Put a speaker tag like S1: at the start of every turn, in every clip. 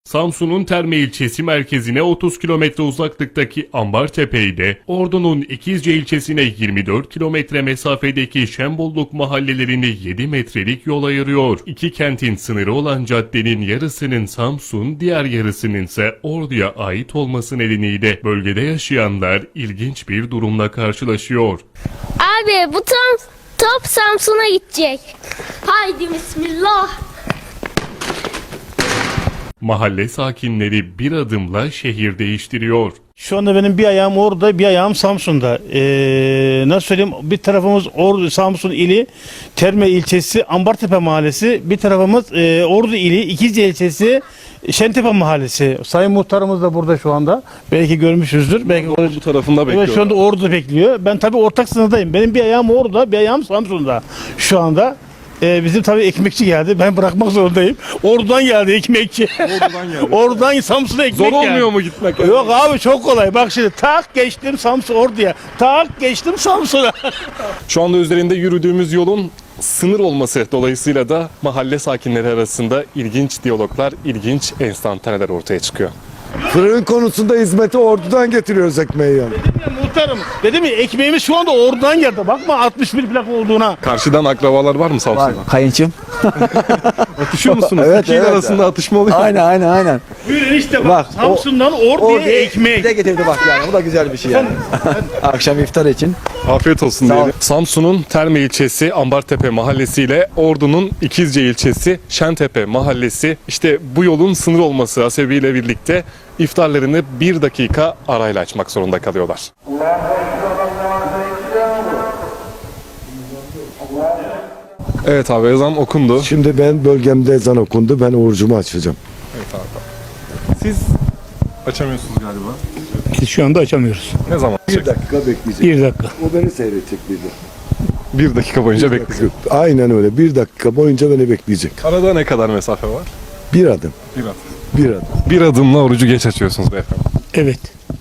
S1: Samsun'un Terme ilçesi merkezine 30 kilometre uzaklıktaki Ambartepe'de, Ordu'nun İkizce ilçesine 24 kilometre mesafedeki Şembolluk mahallelerini 7 metrelik yol ayırıyor. İki kentin sınırı olan caddenin yarısının Samsun, diğer yarısının ise Ordu'ya ait olması nedeniyle bölgede yaşayanlar ilginç bir durumla karşılaşıyor.
S2: Abi bu top Samsun'a gidecek. Haydi bismillah.
S1: Mahalle sakinleri bir adımla şehir değiştiriyor.
S3: Şu anda benim bir ayağım orada, bir ayağım Samsun'da. Nasıl söyleyeyim? Bir tarafımız Ordu, Samsun ili, Terme ilçesi, Ambartepe mahallesi. Bir tarafımız Ordu ili, İkizce ilçesi, Şentepe mahallesi. Sayın muhtarımız da burada şu anda. Belki görmüşüzdür. Belki
S4: Bu tarafında bekliyor.
S3: evet, şu anda Ordu'da bekliyor. Ben tabii ortak sınırdayım. Benim bir ayağım orada, bir ayağım Samsun'da şu anda. Bizim tabii ekmekçi geldi. Ben bırakmak zorundayım. Ordu'dan geldi ekmekçi.
S4: Ordu'dan geldi.
S3: Oradan Samsun'a ekmek
S4: Zor
S3: geldi.
S4: olmuyor mu gitmek?
S3: Yok abi, çok kolay. Bak şimdi tak geçtim Samsun Ordu'ya. Tak geçtim Samsun'a.
S4: Şu anda üzerinde yürüdüğümüz yolun sınır olması dolayısıyla da mahalle sakinleri arasında ilginç diyaloglar, ilginç enstantaneler ortaya çıkıyor.
S5: Fırın konusunda hizmeti Ordu'dan getiriyoruz ekmeği yani.
S3: Dedim ya muhtarım. Dedim ya ekmeğimiz şu anda Ordu'dan geldi. Bakma 61 plak olduğuna.
S4: Karşıdan akrabalar var mı Samsun'da?
S6: Kayınçım.
S4: Atışıyor musunuz?
S6: Evet,
S4: İki il
S6: evet.
S4: arasında atışma oluyor.
S6: Aynen.
S3: Buyurun işte bak.
S6: Bak,
S3: Samsun'dan Ordu'ya ekmek.
S6: Bir de getirdi bak yani. Bu da güzel bir şey yani. Akşam iftar için.
S4: Afiyet olsun
S6: Sağ ol.
S4: diyelim. Samsun'un Terme ilçesi Ambartepe mahallesi ile Ordu'nun İkizce ilçesi Şentepe mahallesi, işte bu yolun sınır olması hasebiyle birlikte iftarlarını 1 dakika arayla açmak zorunda kalıyorlar. Evet abi, ezan okundu.
S5: Şimdi ben bölgemde ezan okundu. Ben orucumu açacağım.
S4: Siz açamıyorsunuz galiba.
S3: Biz şu anda açamıyoruz.
S4: Ne zaman?
S5: dakika bekleyecek.
S3: Bir dakika.
S5: O beni seyredecek bir de.
S4: 1 dakika boyunca bekleyeceğim.
S5: Aynen öyle. 1 dakika boyunca beni bekleyecek.
S4: Arada ne kadar mesafe var?
S5: Bir adım.
S4: 1 adım.
S5: Bir adım.
S4: 1 adımla orucu geç açıyorsunuz beyefendi.
S3: Evet.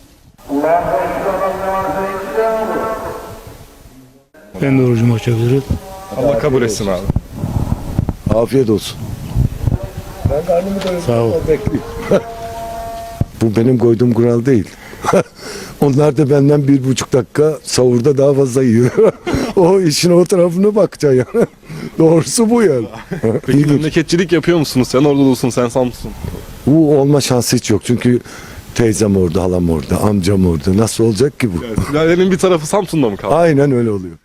S3: Ben de orucumu açabilirim.
S4: Allah kabul etsin abi.
S5: Afiyet olsun. Ben karnımı doyurdum.
S3: Sağ ol.
S5: Bekleyeyim. Bu benim koyduğum kural değil. Onlar da benden 1,5 dakika sahurda daha fazla yiyor. O işin o tarafına bakacaksın yani. Doğrusu bu yani.
S4: Peki
S5: İlginç.
S4: memleketçilik yapıyor musunuz? Sen Ordulusun, sen Samsun.
S5: Bu olma şansı hiç yok. Çünkü teyzem orada, halam orada, amcam orada. Nasıl olacak ki bu?
S4: Sülalenin bir tarafı Samsun'da mı kaldı?
S5: Aynen öyle oluyor.